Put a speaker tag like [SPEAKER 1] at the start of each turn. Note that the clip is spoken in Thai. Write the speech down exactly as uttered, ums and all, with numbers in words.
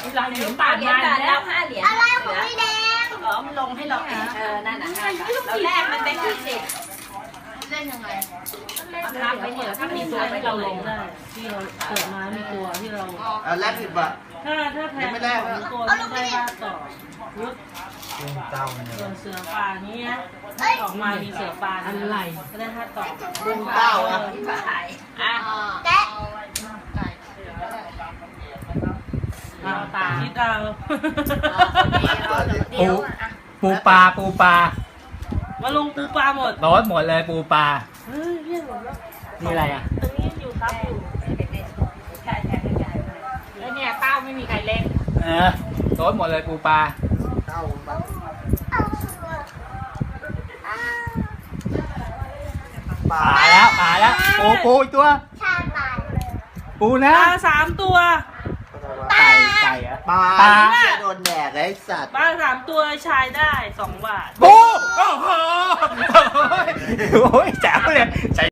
[SPEAKER 1] เราเหรียญบาทมาแล้วห้าเหรียญ
[SPEAKER 2] อะไรของพี่แดง
[SPEAKER 1] อ๋อมันลงให้เราเออนั่นน่ะเราแลกมันเป็นยี่สิบ
[SPEAKER 2] เล่นยังไง
[SPEAKER 1] รับไปเถอะถ้ามีตัวให้เราลงได้ที่เราเกิดมามีตัวที่เรา
[SPEAKER 3] อ่ะแลกสิบบาท
[SPEAKER 1] ถ้าถ้าแทนตัวไม่ได้ว่าต่อยุด
[SPEAKER 3] เต้าเนี่ย
[SPEAKER 1] ส่วนเสือป่านี้นะออกมามีเสือป่าอะไรก็ได้ถ้าต่อ
[SPEAKER 3] บุ้งเต้าอ่ะ
[SPEAKER 1] อ่ะ
[SPEAKER 2] แกะ
[SPEAKER 1] เอาตาที่เรา
[SPEAKER 4] ปูปูปลาปูปลา
[SPEAKER 1] มาลงปูปลาหมด
[SPEAKER 4] โดนหมดเลยปูปลา
[SPEAKER 1] เฮ้ยเรียกหมดแล้ว
[SPEAKER 4] นี่อะไรอ่ะ
[SPEAKER 1] ตรงนี้อยู่ครับอยู่ใช่ใช่ใช่แล้วเนี่ยเต้าไม่มีใครเล่น
[SPEAKER 4] เออโดนหมดเลยปูปลา
[SPEAKER 3] เต้ามันปลา
[SPEAKER 4] ปลาแล้วปลาแล้วปูปูอีกตัว
[SPEAKER 2] ชาบาน
[SPEAKER 4] ปู
[SPEAKER 1] ป
[SPEAKER 4] นะ
[SPEAKER 1] ลาสามตัว
[SPEAKER 4] ไก่ไก่อะ
[SPEAKER 3] ปลา
[SPEAKER 4] ปลา
[SPEAKER 3] เนี่ยโดนแดกไอ้สัตว์
[SPEAKER 1] ปลาสามตัวชายได้สองบาท
[SPEAKER 4] ปูโอ้โหโอ้ยแจ๋วเลย